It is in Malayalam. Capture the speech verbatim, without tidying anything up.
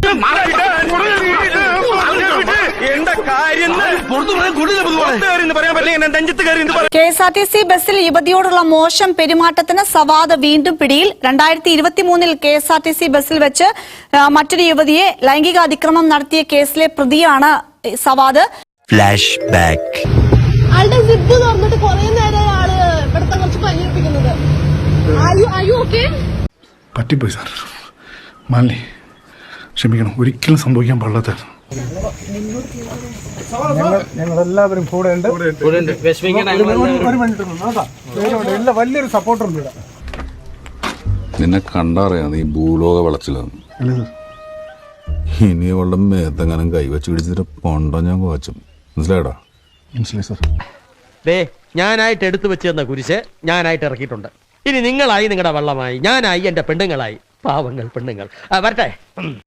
K S R T C ബസ്സിൽ യുവതിയോടുള്ള മോശം പെരുമാറ്റത്തിന് സവാദ് വീണ്ടും പിടിയിൽ. രണ്ടായിരത്തി ഇരുപത്തിമൂന്നിൽ K S R T C ബസ്സിൽ വെച്ച് മറ്റൊരു യുവതിയെ ലൈംഗിക അതിക്രമം നടത്തിയ കേസിലെ പ്രതിയാണ് സവാദ്. Flashback. ആളുടെ സിബ് തുറന്നിട്ട് കുറെ നേരം ആള് ഇവിടുത്തെ കുറച്ച് പനിയിപ്പിക്കുന്നത്. പറ്റിപ്പോയി സാർ, മാലിനി ക്ഷമിക്കണം, ഒരിക്കലും സംഭവിക്കാൻ പാടില്ലാത്ത. ഞങ്ങൾ എല്ലാവരും കൂടെ ഉണ്ട്. വലിയൊരു സപ്പോർട്ടുണ്ട് ഇവിടെ. നിന്നെ കണ്ടറിയാം നീ ഭൂലോക വളച്ചിലാണ്. ഇനി അവളുടെ മേത്തെങ്ങാനും കൈവച്ച് പിടിച്ചിട്ട് പൊണ്ടോ ഞാൻ കോച്ചും. മനസ്സിലായടാ? മനസ്സിലായി സാർ. ദേ ഞാനായിട്ട് എടുത്തു വെച്ച് തന്ന കുരിശ് ഞാനായിട്ട് ഇറക്കിയിട്ടുണ്ട്. ഇനി നിങ്ങളായി നിങ്ങളുടെ വള്ളമായി, ഞാനായി എന്റെ പെണ്ണുങ്ങളായി. പാവങ്ങൾ പെണ്ണുങ്ങൾ. വരട്ടെ.